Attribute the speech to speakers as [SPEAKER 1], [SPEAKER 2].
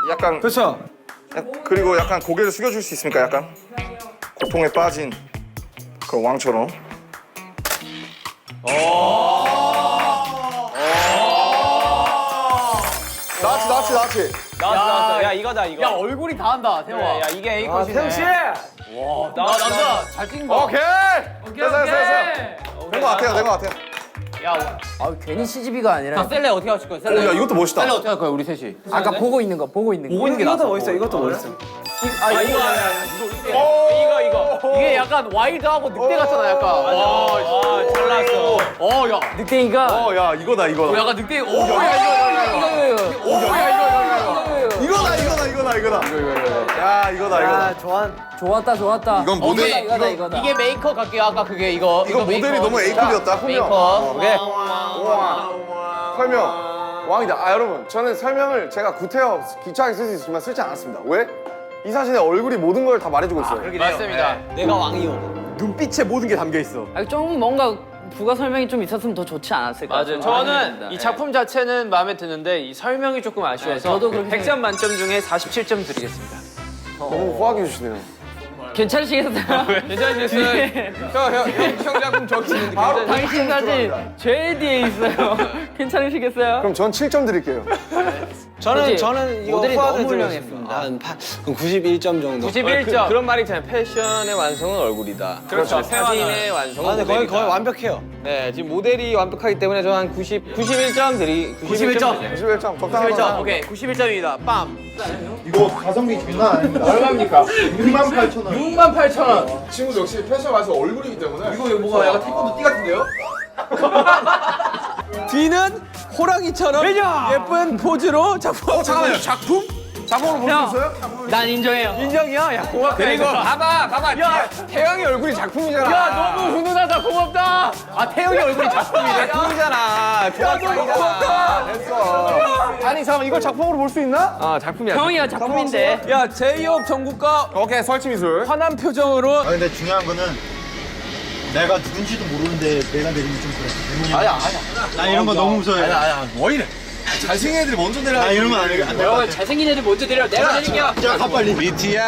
[SPEAKER 1] 약간
[SPEAKER 2] 그렇죠.
[SPEAKER 1] 그리고 약간 고개를 숙여줄 수 있습니까? 약간 고통에 빠진 그 왕처럼. 나치.
[SPEAKER 3] 나왔어. 야 이거다 이거.
[SPEAKER 4] 야 얼굴이 다 한다 태영아.
[SPEAKER 3] 야 이게 A 컷이네.
[SPEAKER 2] 태영 씨.
[SPEAKER 4] 나 남자 잘 찍은 거.
[SPEAKER 1] 오케이. 됐어. 된 것 같아요.
[SPEAKER 5] 아 괜히 CGV가 아니라
[SPEAKER 4] 셀레 어떻게 하실 거야?
[SPEAKER 1] 오,
[SPEAKER 4] 셀레.
[SPEAKER 1] 야 이것도 멋있다.
[SPEAKER 4] 셀레 어떻게 할 거야 우리 셋이?
[SPEAKER 5] 아까 보고 있는 거
[SPEAKER 2] 이것도 멋있어. 이것도 멋있어.
[SPEAKER 3] 이거.
[SPEAKER 4] 이게 약간 와일드하고 늑대 같잖아 약간.
[SPEAKER 3] 잘 나왔어.
[SPEAKER 4] 야.
[SPEAKER 5] 늑대이가
[SPEAKER 1] 야 이거다.
[SPEAKER 4] 약간 늑대.
[SPEAKER 1] 이거다. 야 이거다.
[SPEAKER 5] 좋았다
[SPEAKER 1] 이건 모델.
[SPEAKER 5] 이거다
[SPEAKER 4] 이게 메이커 갈게요. 아까 그게 이거
[SPEAKER 1] 모델이
[SPEAKER 4] 메이커.
[SPEAKER 1] 너무 A급이었다.
[SPEAKER 4] 메이커.
[SPEAKER 3] 오케이.
[SPEAKER 6] 설명 왕이다. 여러분 저는 설명을 제가 구태여 기초하게 쓸 수 있지만 쓰지 않았습니다. 왜? 이 사진에 얼굴이 모든 걸 다 말해주고 있어요.
[SPEAKER 4] 맞습니다.
[SPEAKER 3] 내가 왕이요.
[SPEAKER 2] 눈빛에 모든 게 담겨 있어.
[SPEAKER 5] 좀 뭔가 부가 설명이 좀 있었으면 더 좋지 않았을까
[SPEAKER 3] 맞아요. 저는 이 작품 자체는 마음에 드는데 이 설명이 조금 아쉬워서
[SPEAKER 5] 저도 그렇게
[SPEAKER 3] 100점 만점 중에 47점 드리겠습니다.
[SPEAKER 6] 너무 호하게 해주시네요.
[SPEAKER 5] 괜찮으시겠어요?
[SPEAKER 3] 괜찮으시겠어요? 형 작품 저기 있는데
[SPEAKER 5] 당신 사진 제일 뒤에 있어요 괜찮으시겠어요?
[SPEAKER 6] 그럼 전 7점 드릴게요.
[SPEAKER 3] 저는 이거
[SPEAKER 5] 모델이
[SPEAKER 3] 후하게
[SPEAKER 5] 너무
[SPEAKER 3] 드리겠습니다.
[SPEAKER 5] 훌륭했습니다.
[SPEAKER 7] 그럼 91점 정도.
[SPEAKER 3] 91점.
[SPEAKER 7] 그런 말이 있잖아요. 패션의 완성은 얼굴이다.
[SPEAKER 3] 그렇죠.
[SPEAKER 7] 사진의 완성은
[SPEAKER 3] 근데
[SPEAKER 7] 모델이다.
[SPEAKER 3] 거의 완벽해요.
[SPEAKER 7] 네, 지금 모델이 완벽하기 때문에 저는 한 91점 드리.
[SPEAKER 4] 91점.
[SPEAKER 6] 91점 적당한
[SPEAKER 4] 91점. 오케이. 91점입니다. 빰.
[SPEAKER 8] 이거 가성비 장난 아닙니다. 얼마입니까? 68,000원.
[SPEAKER 4] 68,000원.
[SPEAKER 6] 친구 역시 패션 와서 얼굴이기 때문에
[SPEAKER 4] 이거 뭐가 약간 태권도 띠 같은데요?
[SPEAKER 7] 뒤는 호랑이처럼 예쁜 포즈로 작품.
[SPEAKER 1] 잠깐만요. 작품? 작품으로 볼 수 있어요?
[SPEAKER 5] 난 인정해요
[SPEAKER 7] 인정이야? 야, 고맙다. 그리고 봐봐. 야, 태영이 얼굴이 작품이잖아.
[SPEAKER 4] 야 너무 훈훈하다. 고맙다. 태영이 얼굴이 작품이네.
[SPEAKER 7] 작품이잖아. 고맙다.
[SPEAKER 6] 됐어. 아니 잠깐 이걸 작품으로 볼 수 있나?
[SPEAKER 7] 작품이야.
[SPEAKER 5] 형이가 작품인데
[SPEAKER 7] 야, 제이홉 전국과
[SPEAKER 1] 오케이 설치 미술.
[SPEAKER 7] 환한 표정으로.
[SPEAKER 8] 근데 중요한 거는 내가 누군지도 모르는데 내가 내리면 좀 그래. 아니야. 나 이런 거 너무 무서워해. 아니야.
[SPEAKER 1] 뭐 이래? 잘생긴 애들이 먼저 내려.
[SPEAKER 8] 나 이러면 안 돼.
[SPEAKER 5] 잘생긴 애들 먼저 내려 내가 내릴게요
[SPEAKER 8] 가 빨리.
[SPEAKER 7] BTR.